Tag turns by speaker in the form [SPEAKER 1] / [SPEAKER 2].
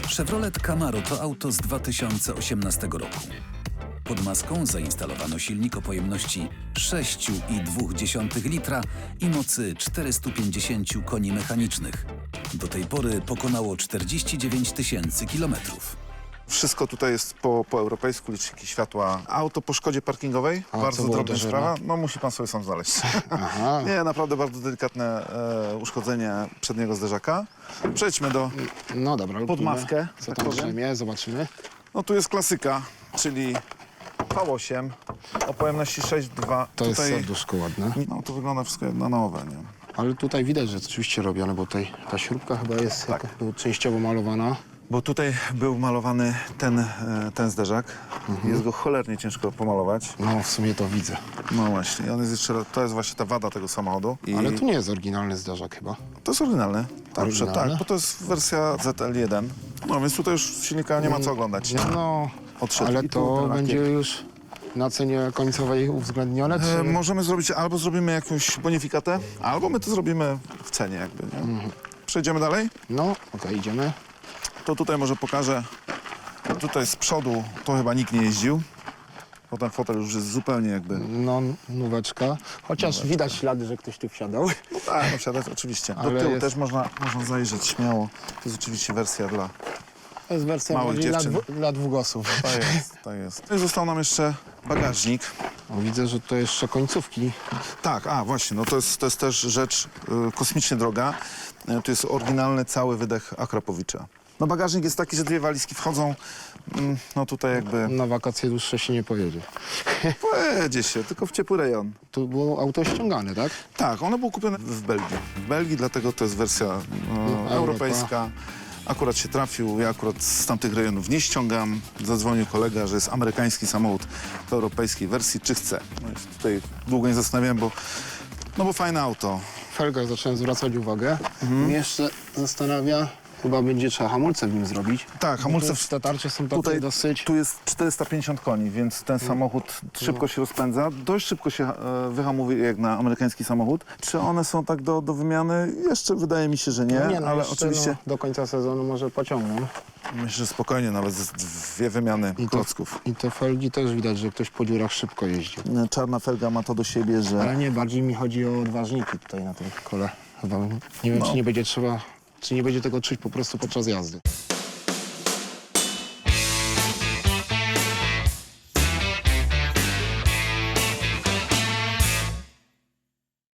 [SPEAKER 1] Chevrolet Camaro to auto z 2018 roku. Pod maską zainstalowano silnik o pojemności 6,2 litra i mocy 450 koni mechanicznych. Do tej pory pokonało 49 000 kilometrów.
[SPEAKER 2] Wszystko tutaj jest po europejsku, liczniki światła. Auto po szkodzie parkingowej,
[SPEAKER 3] A,
[SPEAKER 2] bardzo
[SPEAKER 3] co było
[SPEAKER 2] drobna
[SPEAKER 3] uderzone?
[SPEAKER 2] sprawa. No musi pan sobie sam znaleźć.
[SPEAKER 3] Aha.
[SPEAKER 2] Nie, naprawdę bardzo delikatne uszkodzenie przedniego zderzaka. Przejdźmy do...
[SPEAKER 3] No dobra,
[SPEAKER 2] Pod
[SPEAKER 3] lubimy.
[SPEAKER 2] maskę,
[SPEAKER 3] Co
[SPEAKER 2] tak
[SPEAKER 3] tam
[SPEAKER 2] powiem.
[SPEAKER 3] drzemie, zobaczymy.
[SPEAKER 2] No tu jest klasyka, czyli V8 o pojemności 6,2.
[SPEAKER 3] To jest
[SPEAKER 2] Tutaj,
[SPEAKER 3] serduszko ładne.
[SPEAKER 2] no to wygląda wszystko jak na nowe, nie?
[SPEAKER 3] Ale tutaj widać, że rzeczywiście robione, bo tutaj ta śrubka chyba jest
[SPEAKER 2] Tak.
[SPEAKER 3] częściowo malowana.
[SPEAKER 2] Bo tutaj był malowany ten zderzak. Jest go cholernie ciężko pomalować.
[SPEAKER 3] No, w sumie to widzę.
[SPEAKER 2] No właśnie, on jest jeszcze, to jest właśnie ta wada tego samochodu. I
[SPEAKER 3] Ale tu nie jest oryginalny zderzak chyba.
[SPEAKER 2] to jest oryginalny.
[SPEAKER 3] Oryginalny?
[SPEAKER 2] Tak, bo to jest wersja ZL1. No więc tutaj już silnika nie ma co oglądać.
[SPEAKER 3] No,
[SPEAKER 2] Odszedł.
[SPEAKER 3] ale
[SPEAKER 2] I tu
[SPEAKER 3] to
[SPEAKER 2] ten
[SPEAKER 3] będzie
[SPEAKER 2] lakier.
[SPEAKER 3] już na cenie końcowej uwzględnione, czy...
[SPEAKER 2] Możemy zrobić, albo zrobimy jakąś bonifikatę, albo my to zrobimy w cenie jakby, nie? Przejdziemy dalej?
[SPEAKER 3] No, okej, idziemy.
[SPEAKER 2] To tutaj może pokażę, tutaj z przodu to chyba nikt nie jeździł. Bo ten fotel już jest zupełnie jakby...
[SPEAKER 3] No, nóweczka. Chociaż widać ślady, że ktoś tu wsiadał.
[SPEAKER 2] No tak, no wsiadać oczywiście. Do
[SPEAKER 3] Ale
[SPEAKER 2] tyłu
[SPEAKER 3] jest-
[SPEAKER 2] też można zajrzeć śmiało. To jest oczywiście wersja dla...
[SPEAKER 3] To jest wersja
[SPEAKER 2] Małych
[SPEAKER 3] bardziej
[SPEAKER 2] dziewczyn.
[SPEAKER 3] dla dwugłosów.
[SPEAKER 2] To jest, to jest. No i został nam jeszcze bagażnik.
[SPEAKER 3] O, widzę, że to jeszcze końcówki.
[SPEAKER 2] Tak, właśnie, no to jest też rzecz kosmicznie droga. To jest oryginalny cały wydech Akrapowicza. No bagażnik jest taki, że dwie walizki wchodzą, no tutaj jakby
[SPEAKER 3] Na wakacje dłuższe się nie pojedzie.
[SPEAKER 2] pojedzie się, tylko w ciepły rejon.
[SPEAKER 3] Tu było auto ściągane, tak?
[SPEAKER 2] Tak, ono było kupione w Belgii. W Belgii, dlatego to jest wersja europejska. Akurat się trafił, ja akurat z tamtych rejonów nie ściągam. Zadzwonił kolega, że jest amerykański samochód w europejskiej wersji, czy chce. No i tutaj długo nie zastanawiałem, bo fajne auto.
[SPEAKER 3] Felgach zacząłem zwracać uwagę. Mnie jeszcze zastanawia, chyba będzie trzeba hamulce w nim zrobić.
[SPEAKER 2] Tak, hamulce
[SPEAKER 3] Bo te tarcze są takie
[SPEAKER 2] Tutaj
[SPEAKER 3] dosyć...
[SPEAKER 2] tu jest 450 koni, więc ten samochód szybko się rozpędza. Dość szybko się wyhamowuje jak na amerykański samochód. Czy one są tak do wymiany? Jeszcze wydaje mi się, że nie,
[SPEAKER 3] no
[SPEAKER 2] ale
[SPEAKER 3] jeszcze,
[SPEAKER 2] oczywiście
[SPEAKER 3] do końca sezonu może pociągną.
[SPEAKER 2] myślę, że spokojnie nawet dwie wymiany klocków.
[SPEAKER 3] I te felgi też widać, że ktoś po dziurach szybko jeździł.
[SPEAKER 2] Czarna felga ma to do siebie, że
[SPEAKER 3] Ale nie, bardziej mi chodzi o odważniki tutaj na tym kole. Chyba nie wiem,
[SPEAKER 2] No.
[SPEAKER 3] czy nie będzie trzeba, czy nie będzie tego czuć po prostu podczas jazdy.